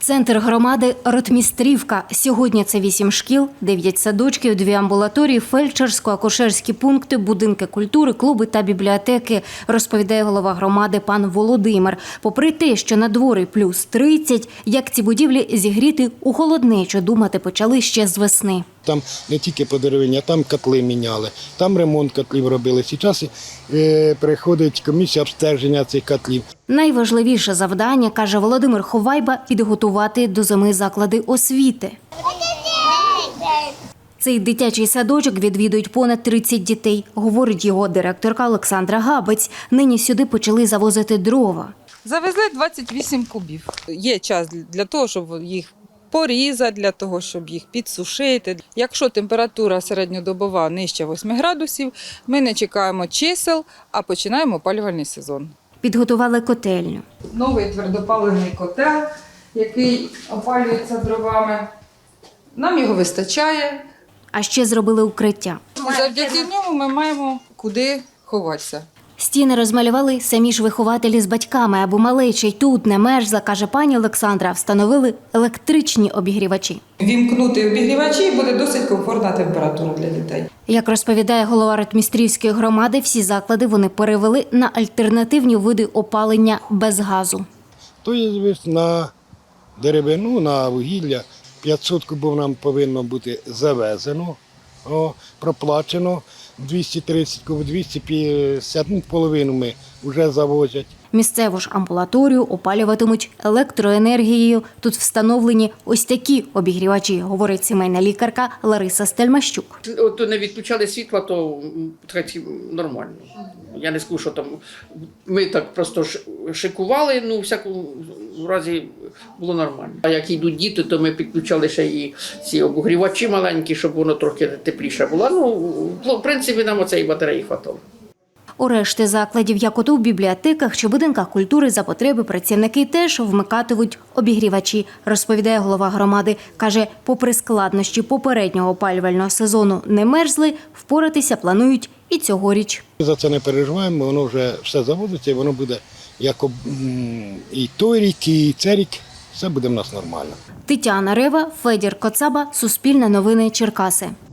Центр громади Ротмістрівка. Сьогодні це 8 шкіл, 9 садочків, 2 амбулаторії, фельдшерсько-акушерські пункти, будинки культури, клуби та бібліотеки, розповідає голова громади пан Володимир. Попри те, що на дворі плюс 30, як ці будівлі зігріти у холоднечу, думати почали ще з весни. Там не тільки по деревині, а там котли міняли, там ремонт котлів робили. Зараз приходить комісія обстеження цих котлів. Найважливіше завдання, каже Володимир Ховайба, підготувати до зими заклади освіти. Цей дитячий садочок відвідують понад 30 дітей, говорить його директорка Олександра Габець. Нині сюди почали завозити дрова. Завезли 28 кубів. Є час для того, щоб їх порізати, для того, щоб їх підсушити. Якщо температура середньодобова нижче 8 градусів, ми не чекаємо чисел, а починаємо опалювальний сезон. Підготували котельню. Новий твердопаливний котел, який опалюється дровами. Нам його вистачає. А ще зробили укриття. Завдяки ньому ми маємо куди ховатися. Стіни розмалювали самі ж вихователі з батьками, аби малеча й тут не мерзла, каже пані Олександра, встановили електричні обігрівачі. Вімкнути обігрівачі, буде досить комфортна температура для дітей. Як розповідає голова Ротмістрівської громади, всі заклади вони перевели на альтернативні види опалення без газу. То є на деревину, на вугілля 500 кубів нам повинно бути завезено, проплачено. 230 кубів, 250, половину ми вже завозять. Місцеву ж амбулаторію опалюватимуть електроенергією. Тут встановлені ось такі обігрівачі, говорить сімейна лікарка Лариса Стельмащук. От не відключали світло, то нормально. Я не скажу, що там ми так просто шикували, ну, в всякому разі було нормально. А як йдуть діти, то ми підключали ще і ці обігрівачі маленькі, щоб воно трохи тепліше було. Ну, в принципі, нам оцеї батареї хватало. У решті закладів, як ото в бібліотеках чи будинках культури, за потреби працівники теж вмикатимуть обігрівачі, розповідає голова громади. Каже, попри складнощі попереднього опалювального сезону не мерзли, впоратися планують і цьогоріч. За це не переживаємо, воно вже все заводиться і воно буде як і той рік, і цей рік. Все буде в нас нормально. Тетяна Рева, Федір Коцаба, Суспільне новини, Черкаси.